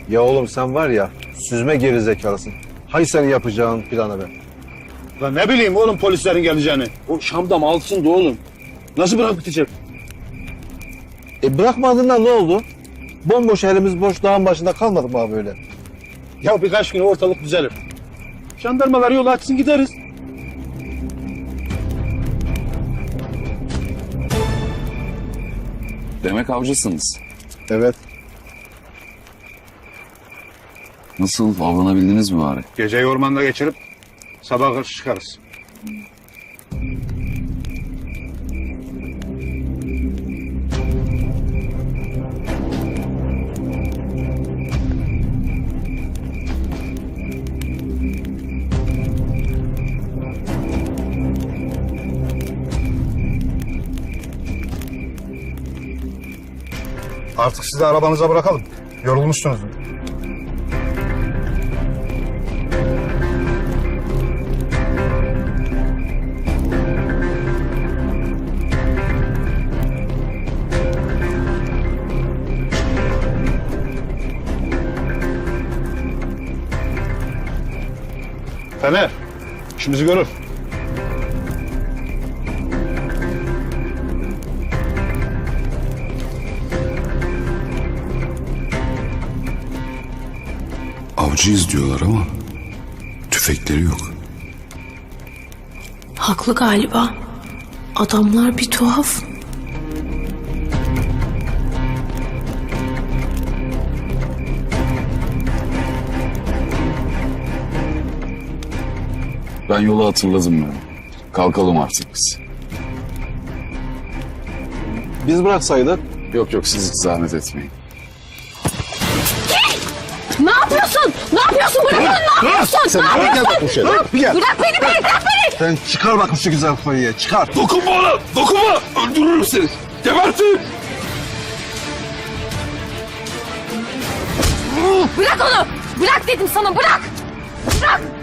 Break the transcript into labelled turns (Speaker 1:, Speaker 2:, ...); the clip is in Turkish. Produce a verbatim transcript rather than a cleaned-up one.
Speaker 1: Ya oğlum sen var ya süzme gerizekalısın. Hay senin yapacağın plana be.
Speaker 2: Lan ne bileyim oğlum polislerin geleceğini. O Şam'da altında oğlum. Nasıl bırakıp gidecek?
Speaker 1: E bırakmadığında ne oldu? Bomboş elimiz boş dağın başında kalmadık mı abi böyle?
Speaker 2: Ya birkaç gün ortalık düzelir. Jandarmalar yol açsın gideriz.
Speaker 3: Demek avcısınız.
Speaker 1: Evet.
Speaker 3: Nasıl, avlanabildiniz mi bari?
Speaker 2: Geceyi ormanda geçirip sabah karşı çıkarız. Artık sizi arabanıza bırakalım. Yorulmuşsunuz. Fener, işimizi görür.
Speaker 4: Avcıyız diyorlar ama tüfekleri yok.
Speaker 5: Haklı galiba. Adamlar bir tuhaf.
Speaker 3: Ben yolu hatırladım ben. Kalkalım artık biz.
Speaker 1: Biz bıraksaydık.
Speaker 3: Yok yok, siz hiç zahmet etmeyin.
Speaker 5: Ne yapıyorsun? Ne yapıyorsun? Bırak onu, ne yapıyorsun?
Speaker 1: Sen
Speaker 5: Ne
Speaker 1: gel
Speaker 5: yapıyorsun?
Speaker 1: bak bu şöyle. Bir gel.
Speaker 5: Bırak beni, beni, bırak beni!
Speaker 1: Sen çıkar bakayım şu güzel koyuya çıkar.
Speaker 3: Dokunma ona! Dokunma! Öldürürüm seni! Gebertin!
Speaker 5: Bırak onu! Bırak dedim sana, bırak! Bırak!